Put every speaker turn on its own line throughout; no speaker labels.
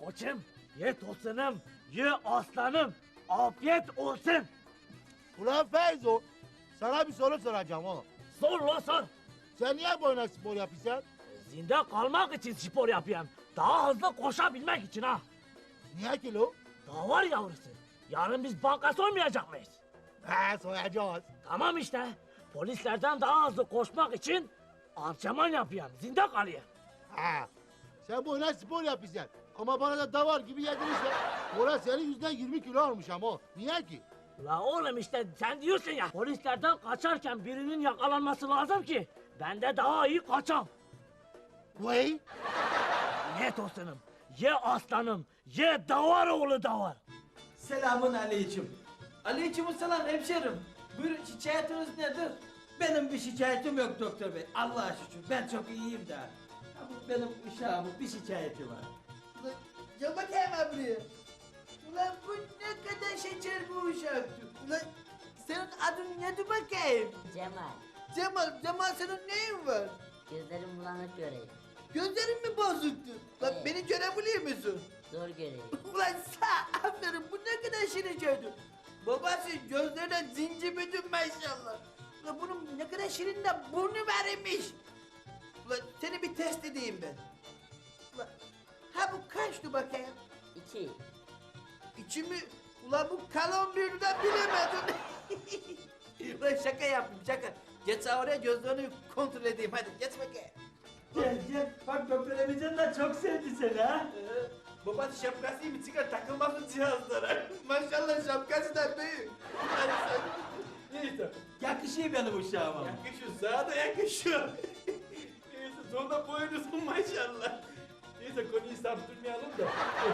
koçum, ye tosunum, ye aslanım. Afiyet olsun.
Ulan Feyzo, sana bir soru soracağım oğlum.
Sor la sor.
Sen niye boyuna spor yapıyorsun?
Zinde kalmak için spor yapıyorum. Daha hızlı koşabilmek için ha.
Niye ki lo?
Daha var yavrusu. Yarın biz banka soymayacak mıyız?
He soyacağız.
Tamam işte. Polislerden daha hızlı koşmak için antrenman yapıyorum. Zinde kalıyorum.
He. Sen boyuna spor yapıyorsun. Ama bana da davar gibi yedirirsen. Ulan senin yüzünden 20 kilo almış ama o. Niye ki?
La oğlum işte sen diyorsun ya. Polislerden kaçarken birinin yakalanması lazım ki ben de daha iyi kaçam.
Vay.
Ye tosunum, ye aslanım, ye davar oğlu davar.
Selamun aleyküm. Aleykümselam hemşerim. Buyurun şikayetiniz nedir? Benim bir şikayetim yok doktor bey. Allah'a şükür ben çok iyiyim de. Ha, bu benim uşağımın bir şikayeti var.
Ulan gel bakayım ha buraya. Ulan bu ne kadar şeker bu uşaktı. Ulan senin adın nedir bakayım?
Cemal,
Cemal senin neyin var?
gözlerim bulanık göreyim.
Gözlerin mi bozuktu? Lan
Evet.
beni görebiliyor musun?
Zor göreyim.
Ulan sağ aferin bu ne kadar şirin şeydi. Babası gözlerine zincir büdün maşallah. Ulan bunun ne kadar şirin de burnu varmış. Ulan seni bir test edeyim ben. Ulan ha bu kaçtı bakayım?
2,
İçimi, ulan bu kalon birden bilemedim. Ulan şaka yaptım şaka. Geç oraya gözlerini kontrol edeyim hadi geç bakayım.
Gel bak doktor Emrecan da çok sevdi seni ha.
Babası şapkası mı çıkar takılmasın cihazlara. Maşallah şapkası da büyük. Hadi sen.
Neyse yakışıyor benim uşağıma.
Yakışıyor sana da yakışıyor. Neyse sonra boyunuzun maşallah.
Neyse konuyu saptırmayalım da.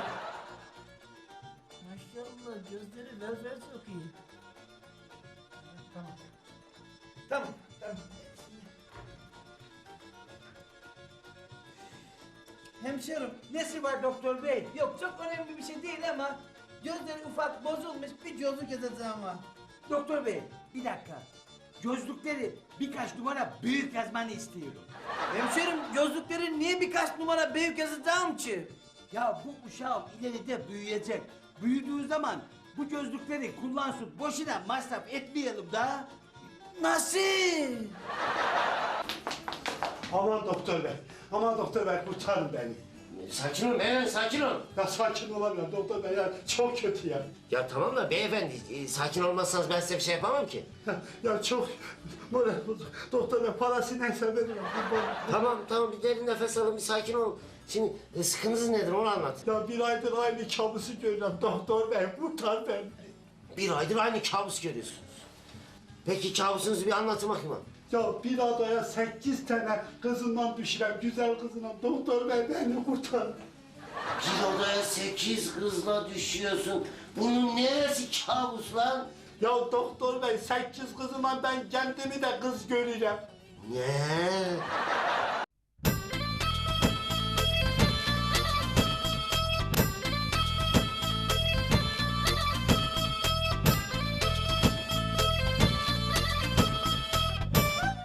Maşallah gözleri ver sokuyor.
Tamam.
Tamam tamam.
Hemşerim nesi var doktor bey? Yok çok önemli bir şey değil ama gözleri ufak bozulmuş bir gözlük yazacağım var. Doktor bey bir dakika. Gözlükleri birkaç numara büyük yazmanı istiyorum.
Hemşerim gözlükleri niye birkaç numara büyük yazacağım ki?
Ya bu uşağım ileride büyüyecek. Büyüdüğü zaman bu gözlükleri kullansın. Boşuna masraf etmeyelim da.
Nasıl?
Aman doktor bey, aman doktor bey kurtarın beni.
Sakin ol beyefendi, sakin ol.
Ya sakin olamıyorum doktor bey ya çok kötü ya.
Ya tamam da beyefendi, sakin olmazsanız ben size bir şey yapamam ki.
Ya çok böyle doktor bey parası neyse veririm.
Tamam, bir derin nefes alın, bir sakin olun. Şimdi sıkıntınız nedir onu anlat.
Ya bir aydır aynı kabusu görüyorum doktor bey kurtar beni.
Bir aydır aynı kabus görüyorsunuz. Peki kabusunuzu bir anlatın bakayım.
Ya bir adaya 8 tane kızından düşüren güzel kızından doktor bey beni kurtar.
Bir odaya 8 kızla düşüyorsun. Bunun neresi kabus lan?
Ya doktor bey 8 kızından ben kendimi de kız göreceğim.
Ne?